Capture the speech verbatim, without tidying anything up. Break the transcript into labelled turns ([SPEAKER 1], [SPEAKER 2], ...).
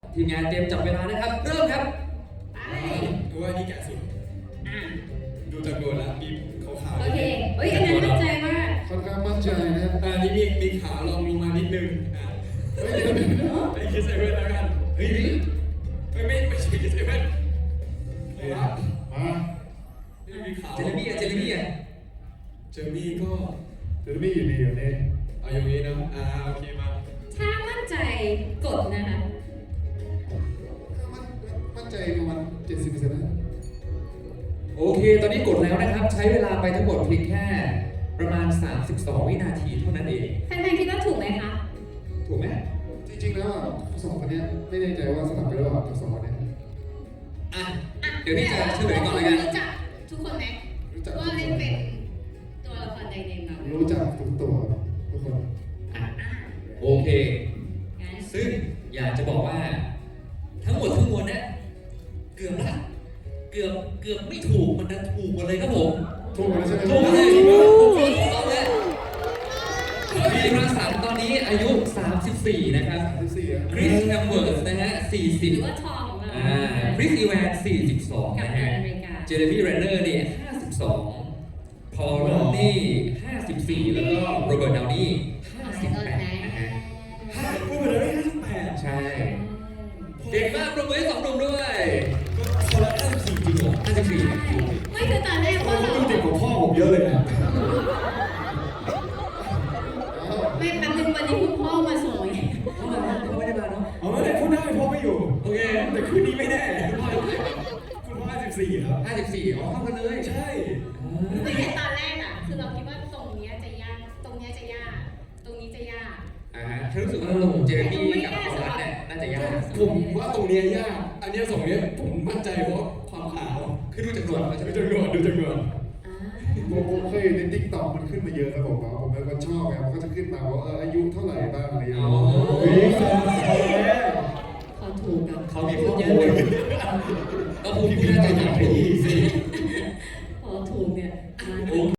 [SPEAKER 1] ทีมงานเตรียมจับเวลานะครับเริ่มครับ
[SPEAKER 2] ไปดูว่านี่แกะสุดดูจากโดนแล้วมีขาวๆ
[SPEAKER 3] โอเคเฮ้ยอันนั้นมั่นใจมาก
[SPEAKER 4] ค่อนข้างมั่นใจนะครับ
[SPEAKER 2] อ่านี่มีมีขาวลองลงมานิดนึงอ่าเฮ้ยเดี๋ยวเดี๋ยวไอ้คิดเซเว่นแล้วกันเฮ้ยไม่ไม่ไม่ใช่คิดเซเว่นเลยครับ
[SPEAKER 4] มา
[SPEAKER 2] นี่มีขาว
[SPEAKER 1] เจเรมี่อะเจเรมี่อะ
[SPEAKER 2] เจอมี่ก็
[SPEAKER 4] เดี๋ยวไม่อยู่ดีอยู่นี่
[SPEAKER 2] เอาอย่างนี้นะอ่าโอเคมา
[SPEAKER 3] ถ้ามั่นใจกดนะคะ
[SPEAKER 4] มั่นใจประมาณเจ็ดสิบเปอร์เซ็นต์นะ
[SPEAKER 1] โอเค ตอนนี้กดแล้วนะครับ ใช้เวลาไปทั้งหมดเพียงแค่ประมาณ สามสิบสอง วินาทีเท่านั้นเอง
[SPEAKER 3] แฟนๆคิดว่าถูกไหมคะ
[SPEAKER 1] ถูกไหม
[SPEAKER 4] จริงๆแล้วอ่ะสองคนเนี้ยไม่แน่ใจว่าสลับกันหรือเปล่าทั้งสองคนเนี้ย
[SPEAKER 1] อ่ะเดี๋ยวนี้จะเฉลยก่อนเลยกัน
[SPEAKER 3] รู้จักทุกคนไหม
[SPEAKER 4] รู้จัก
[SPEAKER 3] ว่าเล่นเป็นตัวละครใดในนั้น
[SPEAKER 4] รู้จักทุกตัวทุกคน
[SPEAKER 1] อ่ะโอเค
[SPEAKER 3] งั้น
[SPEAKER 1] ซึ่งอยากจะบอกว่า ทั้งหมดทั้งมวลเนี่ยเกือบละเกือบเกือบไม่ถูกมันดันถูกหมดเลยครับผม
[SPEAKER 4] ถูกแล้วใช่ไหม
[SPEAKER 1] ถูกเลยถูกเลยเอาเลยทีมรังสรรค์ตอนนี้อายุ สามสิบสี่ นะครับ
[SPEAKER 4] สิบสี่อ่ะ
[SPEAKER 1] คริสแฮมเวิร์สนะฮะ สี่สิบ
[SPEAKER 3] หรือว่าทองของเรา
[SPEAKER 1] อ่าคริสอีแวน สี่สิบสอง
[SPEAKER 3] กับ
[SPEAKER 1] นะ
[SPEAKER 3] อ
[SPEAKER 1] ฮะ
[SPEAKER 3] เมริกา
[SPEAKER 1] เจเรมี่เรนเนอร์เนี่ยห้าสิบสองพอลลอนนี่ห้าสิบสี่แล้วก็โรเบิร์ตดาวนี่ห้าสิบแปดนะฮะ
[SPEAKER 2] ห้าพูดไปแล้วได้ห้าสิบแปด
[SPEAKER 1] ใช่ เก่งมากปรบมือให้สองหนุ่มด้วย
[SPEAKER 2] ก็คนละห้าสิบสี่จริงเหรอ
[SPEAKER 1] ห้าสิบสี่
[SPEAKER 3] ไม่คือตอนแรก
[SPEAKER 2] โอ้
[SPEAKER 3] ว่า
[SPEAKER 2] โห
[SPEAKER 3] เรา
[SPEAKER 2] ดูเด็กกว่าพ่อผมเยอะเลยนะ
[SPEAKER 3] ไม่แป๊บนึงวันนี้คุณพ่อมาส่งไง
[SPEAKER 1] เขามาเขาไม่ได้มาเนาะ
[SPEAKER 2] เอาไม่ได้พูดได้พ่อไม่อยู่
[SPEAKER 1] โอเค
[SPEAKER 2] แต่คืนนี้ไม่แน่คุณพ่อคุณพ่อห้าสิบสี่ครับ
[SPEAKER 1] ห้าสิบสี่อ๋อเข้ากันเลย
[SPEAKER 2] ใช่
[SPEAKER 3] ไม่แต่ตอนแรกอ่ะคือเราคิดว่าตรงเนี้ยจะยากตรงเนี้ยจะยากตรงนี้จะยาก
[SPEAKER 1] อ่าฮะฉันรู้สึกว่าหนุ่มเจเรมี่กับพอลลอนเนี่ยน่าจะยาก
[SPEAKER 2] ผมว่าตรงเนี้ยยาก อันเนี้ยสองเนี้ยผมมั่นใจเพราะความขาว
[SPEAKER 1] คือดูจากหนวดมันจะ
[SPEAKER 2] ดู
[SPEAKER 1] เป็น
[SPEAKER 2] จำนวนดูจำนวน
[SPEAKER 3] อ่า
[SPEAKER 4] ผมผมเคยเห็นในติ๊กต็อกมันขึ้นมาเยอะครับผมผมเป็นคนชอบไงมันก็จะขึ้นมาว่าเอออายุเท่าไหร่บ้างอะไรอย่าง
[SPEAKER 1] อ๋
[SPEAKER 4] เงี้
[SPEAKER 1] อย
[SPEAKER 3] เขาถูกกับ
[SPEAKER 1] เขามีข้อมูลก็ภูมิน่าจะหนักไปอีกสิ